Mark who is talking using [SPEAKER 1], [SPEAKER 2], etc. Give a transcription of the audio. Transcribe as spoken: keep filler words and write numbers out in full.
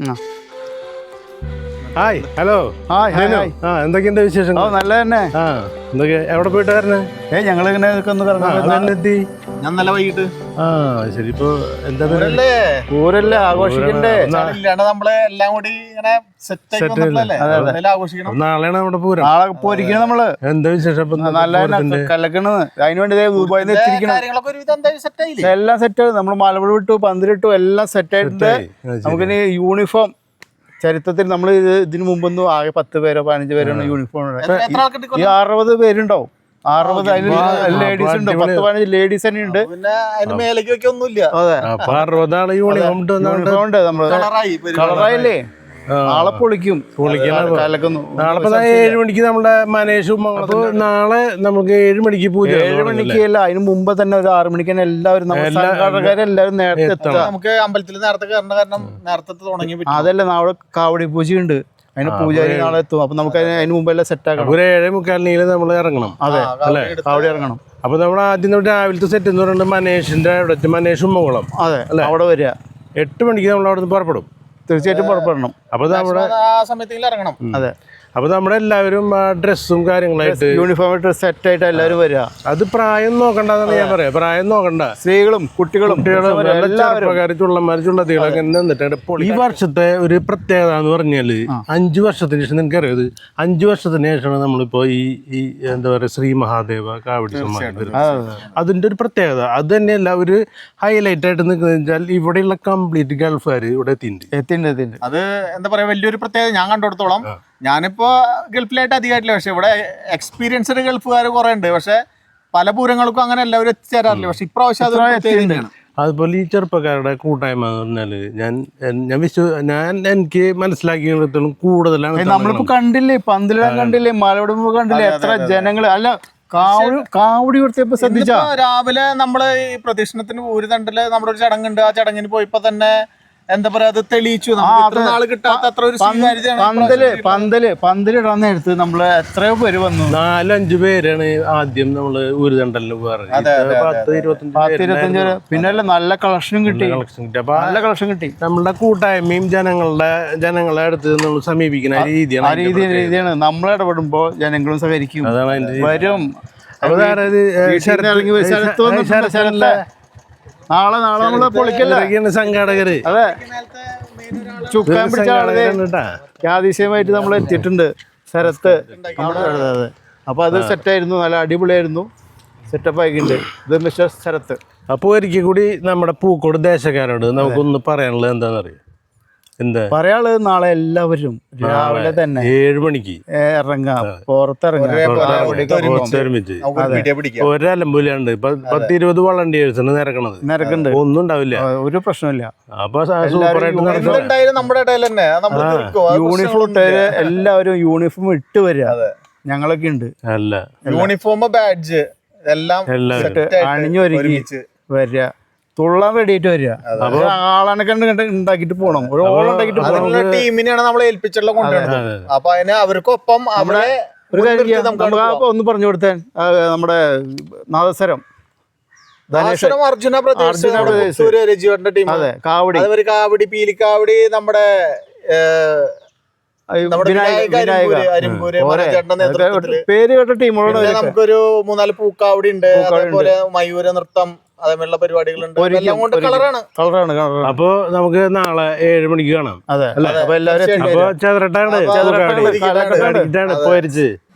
[SPEAKER 1] Hi hello ആ എന്തൊക്കെയുണ്ട് വിശേഷങ്ങൾ?
[SPEAKER 2] നല്ല തന്നെ.
[SPEAKER 1] ആ എന്തൊക്കെ എവിടെ പോയിട്ട് വരണേ?
[SPEAKER 2] ഏ ഞങ്ങളിങ്ങനെ
[SPEAKER 1] എത്തി
[SPEAKER 3] ഞാൻ നല്ല വൈകിട്ട്.
[SPEAKER 1] ആ ശരി. ഇപ്പൊ എന്താ
[SPEAKER 2] പൂരല്ലേ ആഘോഷിക്കണ്ടേ?
[SPEAKER 3] നമ്മള് എല്ലാം കൂടി ഇങ്ങനെ ആഘോഷിക്കണം.
[SPEAKER 1] നാളെയാണ് നമ്മുടെ പൂരം.
[SPEAKER 2] നാളെ പോയിരിക്കണം നമ്മള്.
[SPEAKER 1] എന്താ വിശേഷം?
[SPEAKER 2] നല്ല കലക്കണത്. അതിനുവേണ്ടി ദുബായിന്ന് എത്തിയിരിക്കണം. എല്ലാം സെറ്റ്. നമ്മള് മലപ്പുഴ വിട്ടു, പന്തിലിട്ടു, എല്ലാം സെറ്റ് ആയിട്ടുണ്ട്. നമുക്കിനി യൂണിഫോം ചരിത്രത്തിൽ നമ്മൾ ഇത് ഇതിനു മുമ്പൊന്നും ആകെ പത്ത് പേരോ പതിനഞ്ച് പേരോ യൂണിഫോം. ഈ അറുപത് പേരുണ്ടാവും. അറുപത് അതിൽ ലേഡീസ് ഉണ്ട്. പത്ത് പതിനഞ്ച് ലേഡീസ് തന്നെ ഉണ്ട്.
[SPEAKER 3] ഒന്നുമില്ല.
[SPEAKER 1] അറുപതാണ് യൂണിഫോം
[SPEAKER 2] ഉണ്ട്. നമ്മള് കളറായില്ലേ? നാളെ പൊളിക്കും.
[SPEAKER 1] നാളെ ഏഴ് മണിക്ക് നമ്മുടെ മനേഷും. അപ്പൊ നാളെ നമുക്ക് ഏഴ് മണിക്ക് പൂജ.
[SPEAKER 2] ഏഴ് മണിക്ക് അല്ല, അതിന് മുമ്പ് തന്നെ ഒരു ആറ് മണിക്ക് തന്നെ എല്ലാവരും എല്ലാവരും നേരത്തെ എത്തണം.
[SPEAKER 3] നമുക്ക് അമ്പലത്തിൽ നേരത്തെ കയറേണ്ട കാരണം നേരത്തെ തുടങ്ങി.
[SPEAKER 2] അതല്ല, നാളെ കാവടി പൂജയുണ്ട്. അതിന് പൂജാരി നാളെ എത്തും. അപ്പൊ നമുക്ക് അതിന് മുമ്പ് എല്ലാം സെറ്റ് ആക്കണം.
[SPEAKER 1] ഒരു ഏഴേ മുക്കാലിനെങ്കിലും നമ്മൾ ഇറങ്ങണം.
[SPEAKER 2] അതെ അല്ലെ, കാവടി ഇറങ്ങണം.
[SPEAKER 1] അപ്പൊ നമ്മൾ ആദ്യം രാവിലത്തെ സെറ്റ് എന്ന് പറയുന്നത് മനേഷിന്റെ അവിടെ മനേഷും മംഗളം.
[SPEAKER 2] അതെ അല്ലെ, അവിടെ വരിക.
[SPEAKER 1] എട്ട് മണിക്ക് നമ്മൾ അവിടെ നിന്ന് പുറപ്പെടും.
[SPEAKER 2] തീർച്ചയായിട്ടും പുറപ്പെടണം.
[SPEAKER 1] അപ്പൊ നമ്മുടെ
[SPEAKER 3] ആ സമയത്ത് ഇറങ്ങണം.
[SPEAKER 2] അതെ.
[SPEAKER 1] അപ്പൊ നമ്മുടെ എല്ലാവരും ഡ്രസ്സും കാര്യങ്ങളായിട്ട്
[SPEAKER 2] യൂണിഫോം ഇട്ട് സെറ്റ് ആയിട്ട് എല്ലാവരും വരിക.
[SPEAKER 1] അത് പ്രായം നോക്കണ്ടെന്നാണ് ഞാൻ പറയാം. പ്രായം നോക്കണ്ട.
[SPEAKER 2] സ്ത്രീകളും കുട്ടികളും
[SPEAKER 1] ചെറുപ്പക്കാരും ചുള്ളന്മാരും ചുള്ളത്തികളൊക്കെ നിന്നിട്ട്. ഈ വർഷത്തെ ഒരു പ്രത്യേകത എന്ന് പറഞ്ഞാല് അഞ്ചു വർഷത്തിന് ശേഷം നിങ്ങൾക്ക് അറിയത് അഞ്ചു വർഷത്തിന് ശേഷമാണ് നമ്മളിപ്പോ ഈ ഈ എന്താ പറയാ ശ്രീ മഹാദേവ കാവടി സമ്മാനം. അതിന്റെ ഒരു പ്രത്യേകത അത് തന്നെയല്ല ഒരു ഹൈലൈറ്റ് ആയിട്ട് നിൽക്കുന്നത് വെച്ചാൽ ഇവിടെയുള്ള കംപ്ലീറ്റ് ഗൾഫുകാർ ഇവിടെ എത്തിയിട്ടുണ്ട്
[SPEAKER 2] എത്തിണ്ട് എത്തിണ്ട്
[SPEAKER 3] അത് എന്താ പറയാ വലിയൊരു പ്രത്യേകത. ഞാൻ കണ്ടിടത്തോളം ഞാനിപ്പോ ഗൾഫിലായിട്ട് അധികമായിട്ടില്ല, പക്ഷെ ഇവിടെ എക്സ്പീരിയൻസ്ഡ് ഗൾഫുകാർ കുറെ ഉണ്ട്. പക്ഷെ പല പൂരങ്ങൾക്കും അങ്ങനെ എല്ലാവരും എത്തിച്ചേരാറില്ല. പക്ഷെ ഇപ്രാവശ്യം അത്
[SPEAKER 1] അതുപോലെ ഈ ചെറുപ്പക്കാരുടെ കൂട്ടായ്മ എന്ന് പറഞ്ഞാല് ഞാൻ ഞാൻ വിശ്വ ഞാൻ എനിക്ക് മനസ്സിലാക്കിയിടത്തോളം കൂടുതലാണ്.
[SPEAKER 2] നമ്മളിപ്പോ കണ്ടില്ലേ, പന്തലിടാൻ കണ്ടില്ലേ, മലയോടുമ്പോ കണ്ടില്ലേ, എത്ര ജനങ്ങള്. അല്ല, കാവടി കാവടി കൊടുത്തപ്പോ ശ്രദ്ധിച്ചാ
[SPEAKER 3] രാവിലെ നമ്മള് ഈ പ്രദക്ഷിണത്തിന് ഒരു തണ്ടില് നമ്മുടെ ഒരു ചടങ്ങുണ്ട്. ആ ചടങ്ങിന് പോയപ്പോ തന്നെ എന്താ പറയാ അത് തെളിയിച്ചു. നാള് കിട്ടാത്ത അത്ര ഒരു
[SPEAKER 2] പന്തല് പന്തല് പന്തലിടാൻ നേരത്ത് നമ്മള് എത്രയോ പേര് വന്നു.
[SPEAKER 1] നാലഞ്ചു പേരാണ് ആദ്യം നമ്മള് ഒരു തണ്ടലിന് പത്ത് ഇരുപത്തഞ്ച്.
[SPEAKER 2] പിന്നെ നല്ല കളക്ഷനും കിട്ടി. നല്ല കളക്ഷൻ കിട്ടി.
[SPEAKER 1] നമ്മളുടെ കൂട്ടായ്മയും ജനങ്ങളുടെ ജനങ്ങളെ അടുത്ത് നമ്മൾ സമീപിക്കുന്ന രീതിയാണ്.
[SPEAKER 2] ആ രീതി രീതിയാണ്. നമ്മൾ ഇടപെടുമ്പോ ജനങ്ങളും സഹകരിക്കും.
[SPEAKER 1] അതാണ് അതിന്റെ
[SPEAKER 2] വരും.
[SPEAKER 1] ശരത്ത്
[SPEAKER 2] നാളെ നാളെ നമ്മള് പൊളിക്കല്ല
[SPEAKER 1] സംഘാടകര്.
[SPEAKER 2] അതെ, ചുക്കാൻ പിടിച്ച ആളെ യാദൃശ്യമായിട്ട് നമ്മൾ എത്തിയിട്ടുണ്ട്. ശരത്ത്. അതെ. അപ്പൊ അത് സെറ്റായിരുന്നു, നല്ല അടിപൊളിയായിരുന്നു. സെറ്റപ്പ് ആയിട്ടുണ്ട്. ഇത് മിസ്റ്റർ ശരത്ത്.
[SPEAKER 1] അപ്പൊ ഒരിക്കൽ കൂടി നമ്മുടെ പൂക്കോട് ദേശക്കാരോട് നമുക്കൊന്ന് പറയാനുള്ളത് എന്താണെന്നറിയാം? എന്താ
[SPEAKER 2] പറയാനുള്ളത്? നാളെ എല്ലാവരും രാവിലെ തന്നെ
[SPEAKER 1] ഏഴ് മണിക്ക്
[SPEAKER 2] ഇറങ്ങാം, പുറത്തിറങ്ങാം.
[SPEAKER 1] ഒരലമ്പൂലാണ്ട് പത്ത് ഇരുപത് വളണ്ടിയേഴ്സാണ് നിരക്കണത്.
[SPEAKER 2] നിരക്കുന്നുണ്ട്.
[SPEAKER 1] ഒന്നും ഉണ്ടാവില്ല,
[SPEAKER 2] ഒരു പ്രശ്നമില്ല.
[SPEAKER 1] അപ്പൊ സൂപ്പറായിട്ട്
[SPEAKER 2] യൂണിഫോം ഇട്ടവര് എല്ലാവരും യൂണിഫോം ഇട്ട് വരിക. ഞങ്ങളൊക്കെ ഉണ്ട്.
[SPEAKER 1] അല്ല,
[SPEAKER 3] യൂണിഫോം ബാഡ്ജ് എല്ലാം
[SPEAKER 2] അണിഞ്ഞു ഒരുങ്ങി വരിക. തുള്ളാൻ റെഡിയായിട്ട് വരിക. ആളെ കണ്ട് കണ്ട് ഉണ്ടാക്കിട്ട് പോകണം. ഒരു ഓളം ഉണ്ടാക്കിട്ട് പോകണം.
[SPEAKER 3] ടീമിനെയാണ് നമ്മളെ ഏൽപ്പിച്ചുള്ള കൊണ്ടുവരുന്നത്. അപ്പൊ അതിന് അവർക്കൊപ്പം അവിടെ
[SPEAKER 2] ഒരു കാര്യം നമുക്ക് ഒന്ന് പറഞ്ഞു കൊടുത്താൻ. നമ്മുടെ നാദസ്വരം
[SPEAKER 3] അർജുന പ്രദേശ് രജിയുടെ ടീം.
[SPEAKER 2] അതെ, കാവടി
[SPEAKER 3] കാവടി പീലിക്കാവടി നമ്മുടെ
[SPEAKER 2] പേര് കേട്ട ടീമുകളോട്
[SPEAKER 3] നമുക്കൊരു മൂന്നാല് പൂക്കാവടി ഉണ്ട്. അതേപോലെ മയൂര നൃത്തം, അതേപോലുള്ള പരിപാടികളുണ്ട്. കളറാണ്
[SPEAKER 2] കളറാണ്
[SPEAKER 1] അപ്പൊ നമുക്ക് നാളെ ഏഴ് മണിക്ക് കാണാം.
[SPEAKER 2] അതെ. അപ്പൊ എല്ലാവരും
[SPEAKER 1] ചതുരട്ടാണ് പോയിരിച്ച്